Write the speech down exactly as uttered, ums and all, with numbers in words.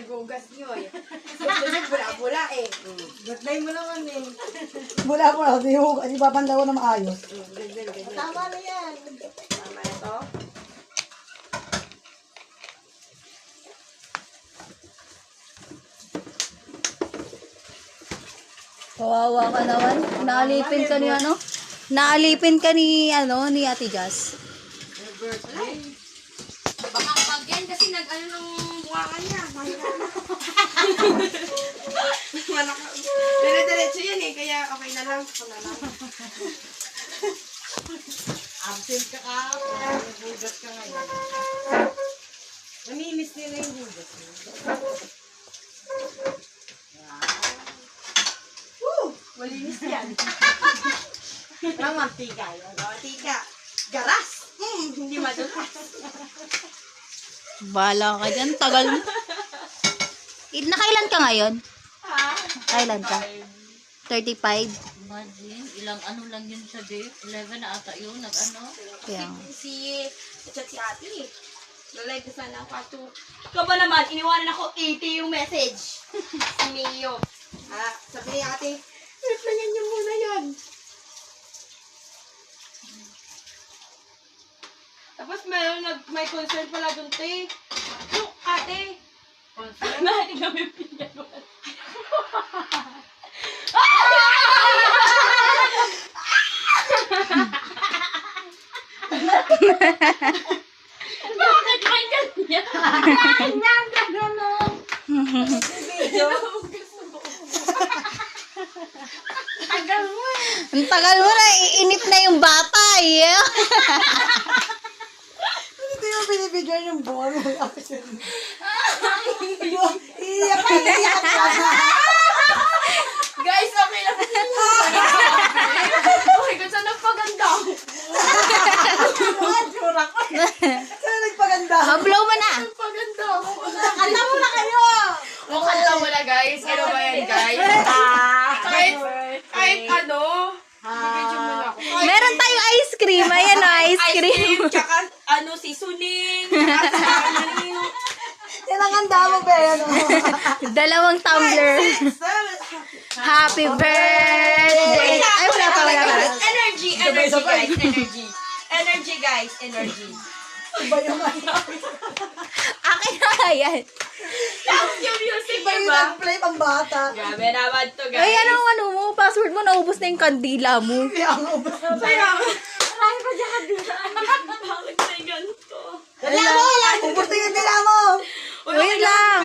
nagugas nyo eh. Susunod, bula-bula eh. Gatlay mo naman eh. Bula po na, di mo, di papandaw na maayos. Mm, ganyan, ganyan. Tama na yan. Tama na to. Kawawa ka naman. Naalipin ka ni ano? Naalipin ka ni ano ni Ate Jazz. Baka pag yan kasi nag-ano nung buwakan niya. Malaka. Dire-diretso yan eh, kaya okay na lang. Ako na lang. Absent ka ka. Nagugas ka ngayon. Namimiss nila yung hugas mo. Woo! Malinis yan. Ang mantika yun. O, tika. Garas! Mm, hindi madulas. Bala ka dyan. Tagal mo. Il- Nakailan ka ngayon? Ha? Kailan ka? thirty-five? Imagine, ilang ano lang yun sa day. eleven na ata yun, nag-ano. Kaya. Si, chat si ate. Nalive na sana ako ato. Ikaw ba naman, iniwanan ako eighty yung message. Si Mio. Ha? Sabi ni ate, replyan niyo muna yan. Tapos mayroon nag, may concern pala dun, te. Yung ate. Concern? Bakit kami pinagawa? Bakit may ganyan? Ganyan, ganyan. Video. Tagal mo eh. Ang tagal mo na. Iinip na yung bata eh. Ito yung binibigyan yung buwan mo. Iiyak ka, iiyak ka. Guys, okay lang. Okay, kung saan nagpaganda ako. Ang tsura ko. Saan nagpaganda? Oh, blow mo na. Nagpaganda ako. Kanta mo na kayo! O, kanta mo na guys. Ano ba yan guys? Kahit, kahit ano. Bibidyo mo na ako. Meron tayong ice cream. Ayan o, ice Ice cream. cream, tsaka ano, si Suning, tsaka si Ananino. Yan ang handa mo, be. Ano? Dalawang tumbler. Happy birthday. Ay, wala pa, wala pa. Energy, energy guys, energy. Energy guys, energy. Iba yung ano. Akin na yan. Tapos yung music, Iba yung diba? nag-play pang bata. Grabe naman to guys. Ay, ano, ano mo? Password mo, naubos na yung kandila mo. Kaya ang ubos. Kaya, marami pa dyan kanila. Bakit may ganito? Dali mo! Ubos na yung dila mo! Wait lang.